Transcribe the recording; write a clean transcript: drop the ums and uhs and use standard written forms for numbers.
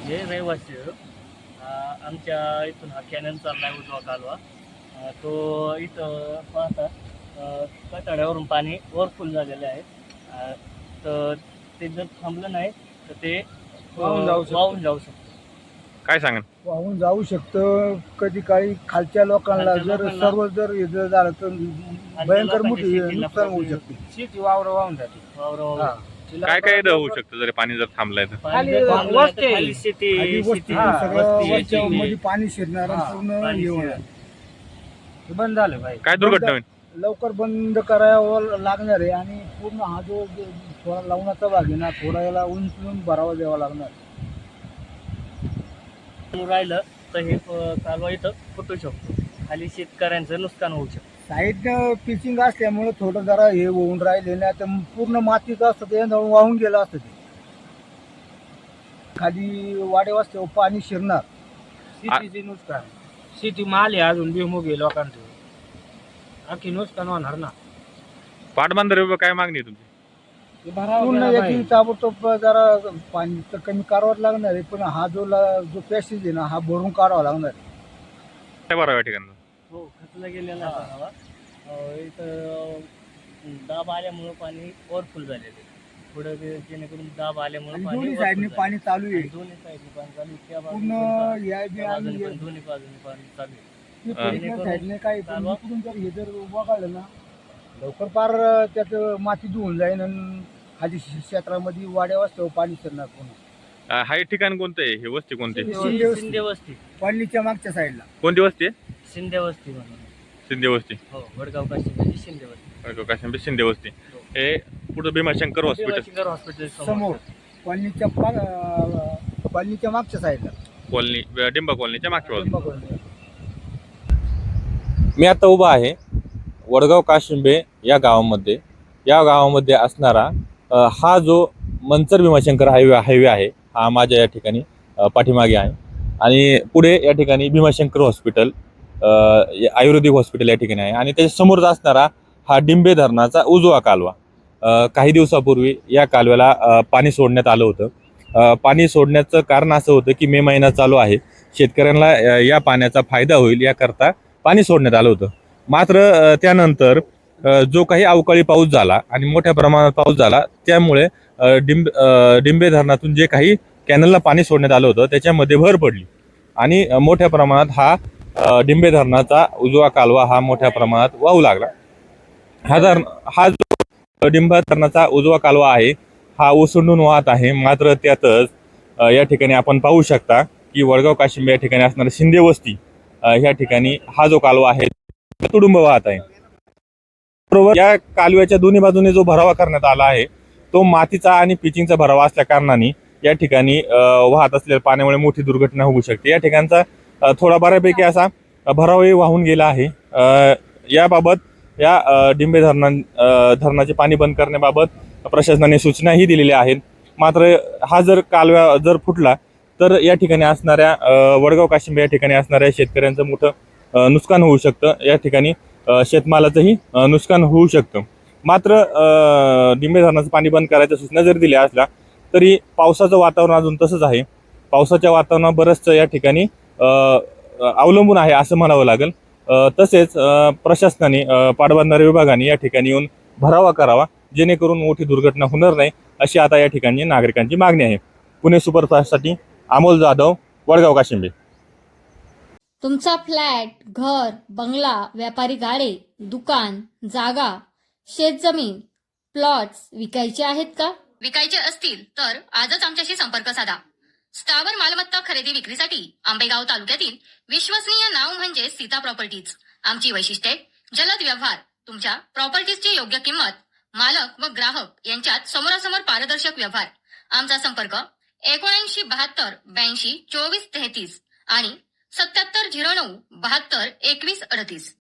म्हणजे रहिवासी आहे. आमच्या इथून हा कॅनल चाललाय उजवा कालवा. तो इथं पाहता कटाड्यावरून पाणी ओव्हरफुल झालेलं आहे. तर ते जर थांबलं नाही तर ते वाहून जाऊ शकतं. काय सांगा? वाहून जाऊ शकतं. कधी काळी खालच्या लोकांना सर्व जर हे जर झालं तर भयंकर मोठी नुकसान होऊ शकते. शेती वावर वाहून जाते. काय काय होऊ शकतं जर पाणी जर थांबलंय तर? खाली शेती सगळं मध्ये पाणी शिरणार आणि पूर्ण हे होणार. बंद झालं पाहिजे. काय दुर्घटना होईल? लवकर बंद करावं लागणार आहे आणि पूर्ण हा जो थोडा लावण्याचा भाग आहे ना, थोडा याला उंचून भरावा द्यावा लागणार. राहिलं तर हे कालवा इथं फुटू शकतो. खाली शेतकऱ्यांचं नुकसान होऊ शकतं. साईडनं पिचिंग असल्यामुळे थोडं जरा हे होऊन राहिले ना, तर पूर्ण मातीचं असतं ते वाहून गेलं असतं. ते खाली वाडे असते पाणी शिरणार. शेतीचे नुकसान, शेती माल आहे अजून भुईमुग आहे लोकांचं, आणखी नुकसान होणार ना. पाटबंधारे विभाग काय मागणी आहे तुमची? पूर्ण याची ताबडतोब जरा पाणी तर कमी करावं लागणार आहे, पण हा जो पॅसेज आहे ना, हा भरून काढावा लागणार आहे. काय बरं या ठिकाणी? हो, खचला गेलेला आहे. इथं दाब आल्यामुळं पाणी ओव्हरफुल झालेलं आहे. पुढे जेणेकरून दाब आल्यामुळे दोन्ही साईडने पाणी चालू आहे. दोन्ही साईडने पाणी चालू आहे. त्या पूर्ण दोन्ही बाजूने पाणी चालू आहे. साईडने काही इकडून जर हे जर वगळलं ना, लवकर पार त्यात माती धुवून जाईल आणि खाली क्षेत्रामध्ये वाड्या वाजता पाणी शिरणार. पूर्ण हा ठिकाण कोणतं आहे? हे वस्ती कोणती? शिंदे वस्ती. पल्लीच्या मागच्या साईडला कोणती वस्ती आहे? शिंदे वस्ती म्हणून. शिंदे वस्ती. हो, वडगाव काशी शिंदे वस्ती. काशिंबे शिंदे वस्ती. हे पुढे भीमाशंकर हॉस्पिटल समोर पल्लीच्या मागच्या साईडला कॉलनी, डिंबा कॉलनीच्या मागच्या बाजूला. कॉलनी. मी आता उभा आहे वडगाव काशिंबे या गावामध्ये. या गावामध्ये असणारा हा जो मंचर भीमाशंकर हायवे आहे, हा माझ्या या ठिकाणी पाठीमागे आहे. आणि पुढे या ठिकाणी भीमाशंकर हॉस्पिटल, आयुर्वेदिक हॉस्पिटल या ठिकाणी आहे. आणि त्याच्या समोरच असणारा हा डिंबे धरणाचा उजवा कालवा. काही दिवसापूर्वी या कालव्याला पाणी सोडण्यात आलं होतं. पाणी सोडण्याचं कारण असं होतं की मे महिना चालू आहे, शेतकऱ्यांना या पाण्याचा फायदा होईल याकरता पाणी सोडण्यात आलं होतं. मात्र त्यानंतर जो काही अवकाळी पाऊस झाला आणि मोठ्या प्रमाणात पाऊस झाला, त्यामुळे डिंबे धरणातून जे काही कॅनलला पाणी सोडण्यात आलं होतं त्याच्यामध्ये भर पडली आणि मोठ्या प्रमाणात हा डिंबे धरणाचा उजवा कालवा हा मोठ्या प्रमाणात वाहू लागला. हा जो डिंबा धरणाचा उजवा कालवा आहे हा ओसंडून वाहत आहे. मात्र त्यातच या ठिकाणी आपण पाहू शकता की वडगाव काशिंबे या ठिकाणी असणारी शिंदे वस्ती ह्या ठिकाणी हा जो कालवा आहे तुडुंब वाहत आहे. बरोबर, या कालव्याच्या दोन्ही बाजूने जो भरावा करण्यात आला आहे तो मातीचा आणि पिचिंगचा भरावा असल्या कारणाने या ठिकाणी वाहत असलेल्या पाण्यामुळे मोठी दुर्घटना होऊ शकते. या ठिकाणचा थोडा बऱ्यापैकी असा भरावाही वाहून गेला आहे. याबाबत या डिंबे धरणाचे पाणी बंद करण्याबाबत प्रशासनाने सूचनाही दिलेल्या आहेत. मात्र हा जर कालवा जर फुटला तर या ठिकाणी असणाऱ्या वडगाव काशिंबे या ठिकाणी असणाऱ्या शेतकऱ्यांचं मोठं नुकसान होऊ शकतं. या ठिकाणी शेतमालाचंही नुकसान होऊ शकतं. मात्र डिंबे धरणाचं पाणी बंद करायच्या सूचना जरी दिल्या असल्या तरी पावसाचं वातावरण अजून तसंच आहे. पावसाच्या वातावरणावर बरंचसं या ठिकाणी अवलंबून आहे असं म्हणावं लागेल. तसेच प्रशासनाने पाटबंधारे विभागाने या ठिकाणी येऊन भरावा करावा जेणेकरून मोठी दुर्घटना होणार नाही, अशी आता या ठिकाणी नागरिकांची मागणी आहे. पुणे सुपरफास्टसाठी अमोल जाधव, वडगाव काशिंबे. तुमचा फ्लॅट, घर, बंगला, व्यापारी गाडे, दुकान, जागा, शेतजमीन, प्लॉट्स विकायचे आहेत का? विकायचे असतील तर आजच आमच्याशी संपर्क साधा. स्थावर मालमत्ता खरेदी विक्रीसाठी आंबेगाव तालुक्यातील विश्वसनीय नाव म्हणजे सीता प्रॉपर्टीज. आमची वैशिष्ट्ये: जलद व्यवहार, तुमच्या प्रॉपर्टीजची योग्य किंमत, मालक व ग्राहक यांच्यात समोरासमोर पारदर्शक व्यवहार. आमचा संपर्क 79 72 82 24 33 आणि 77 09 72 21 38.